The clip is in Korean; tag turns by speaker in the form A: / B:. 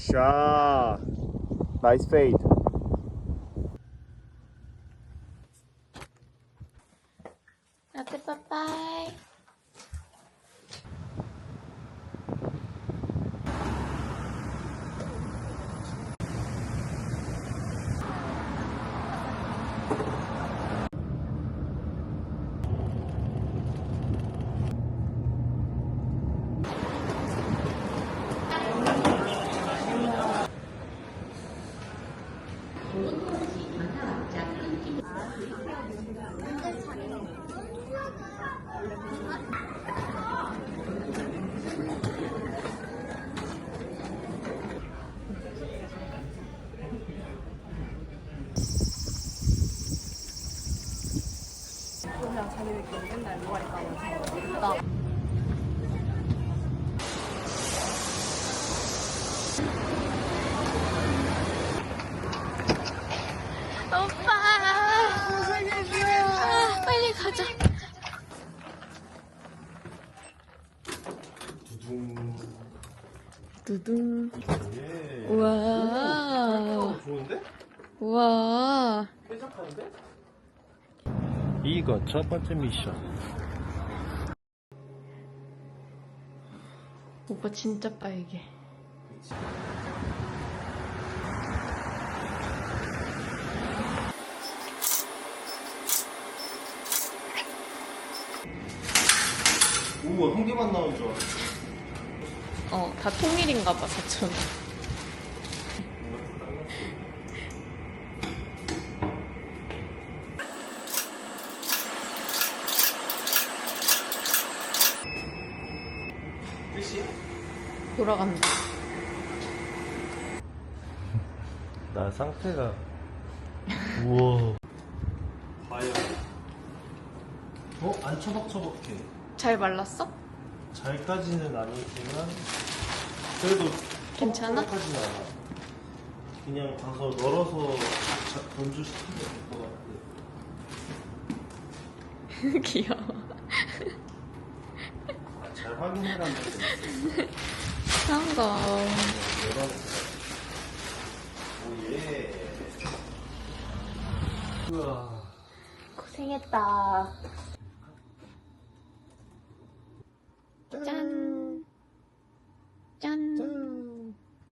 A: 굿샷. 나이스 페이드.
B: 라떼 빠빠이. 오빠, 빨리 가자. 두둥.
A: 예.
B: 우와.
A: 좋은데?
B: 우와.
A: 쾌적한데? 이거 첫 번째 미션.
B: 오빠 진짜 빨개.
A: 오, 한 개만 나온 줄 알았어.
B: 다 통일인가 봐, 사촌.
A: 끝이?
B: 돌아간다.
A: 나 상태가. 우와. 과연. 안 처벅처벅해.
B: 잘 말랐어?
A: 잘까지는 아니지만 그래도
B: 괜찮아?
A: 처벅처벅하진 않아. 그냥 가서 널어서 건조시키면 될 것 같아.
B: 귀여워.
A: 잘 확인해라는 거.
B: 성공.
A: 오예. 우와.
B: 고생했다.